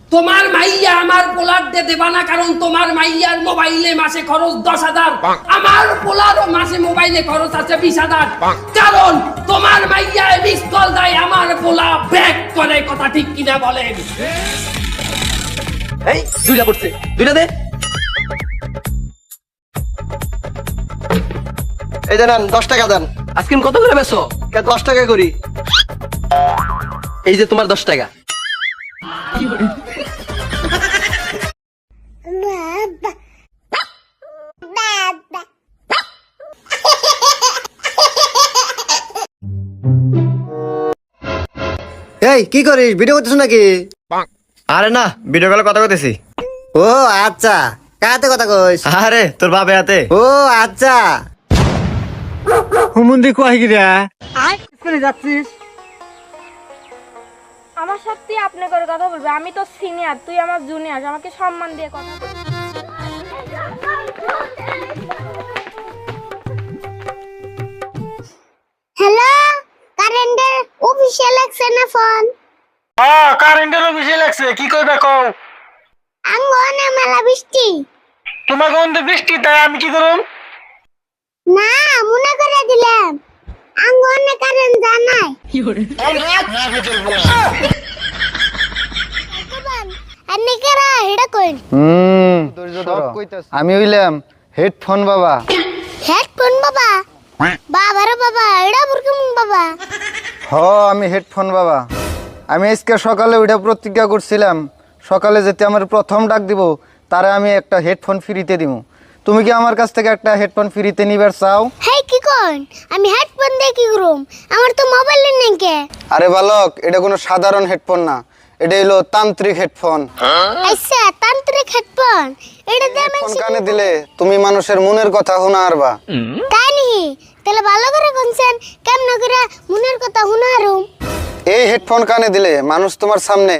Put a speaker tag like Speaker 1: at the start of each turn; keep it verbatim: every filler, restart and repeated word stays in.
Speaker 1: তোমার মাইয়া আমার পোলার দে দেবা না, কারণ তোমার মাইয়ার মোবাইলে মাসে খরচ দশ হাজার, আমার পোলারও মাসে মোবাইলে খরচ আছে বিশ হাজার, কারণ তোমার মাইয়া মিস কল দেয়, আমার পোলা ব্যাক করে। কথা ঠিক কিনা বলেন?
Speaker 2: এই দুইটা পড়ছে, দুইটা দে।
Speaker 3: এই দেন দশ টাকা দেন।
Speaker 2: আজকে কত করে বেছো?
Speaker 3: দশ টাকা করি।
Speaker 2: এই যে তোমার দশ টাকা।
Speaker 3: এই কি করিস, ভিডিও করতেছ নাকি?
Speaker 4: আরে না, ভিডিও কলে কথা কইতেছি।
Speaker 3: ও আচ্ছা, কাতে কথা কইস?
Speaker 4: আরে তোর বাপে হাতে।
Speaker 3: ও আচ্ছা।
Speaker 4: হুমুন্দি কই গিরা?
Speaker 3: কোনে যাচ্ছিস?
Speaker 5: আমার সাথে আপনি করে কথা বলবে, আমি তো সিনিয়র, তুই আমার জুনিয়র, আমাকে সম্মান দিয়ে কথা বল। হ্যালো, কারেন্টের অফিসিয়াল লাগছে না ফোন?
Speaker 4: হ্যাঁ, কারেন্টের অফিসে লাগছে। কি কইবা কও?
Speaker 5: আঙ্গনে মেলা বৃষ্টি।
Speaker 4: তোমার কোন বৃষ্টি, তাই আমি কি করুম?
Speaker 5: না, মনে করে দিলাম আঙ্গনে কারেন্ট জানাই। আপনি কেরা এটা কইন?
Speaker 6: হুম আমি হইলাম হেডফোন বাবা।
Speaker 5: হেডফোন বাবা? বাবারে বাবা, এটা বুরকুম বাবা।
Speaker 6: হ, আমি হেডফোন বাবা। আমি আজকে সকালে ওইটা প্রতিজ্ঞা করছিলাম, সকালে যেতে আমার প্রথম ডাক দিব তারে আমি একটা হেডফোন ফ্রিতে দিব। তুমি কি আমার কাছ থেকে একটা হেডফোন ফ্রিতে নিবার চাও?
Speaker 5: হেই কি কোন? আমি হেডফোন দিয়ে কি করুম? আমার তো মোবাইল নেই কে।
Speaker 6: আরে বালক, এটা কোনো সাধারণ হেডফোন না, এটা হলো তান্ত্রিক হেডফোন।
Speaker 5: আচ্ছা, তান্ত্রিক হেডফোন। এটা দিয়ে আমি
Speaker 6: হেডফোন কানে দিলে তুমি মানুষের মনের কথা শোনা আরবা।
Speaker 5: তাই নি? তাহলে ভালো করে কোনছেন কেমন করে মনের কথা শুনারুম?
Speaker 6: এই হেডফোন কানে দিলে মানুষ তোমার সামনে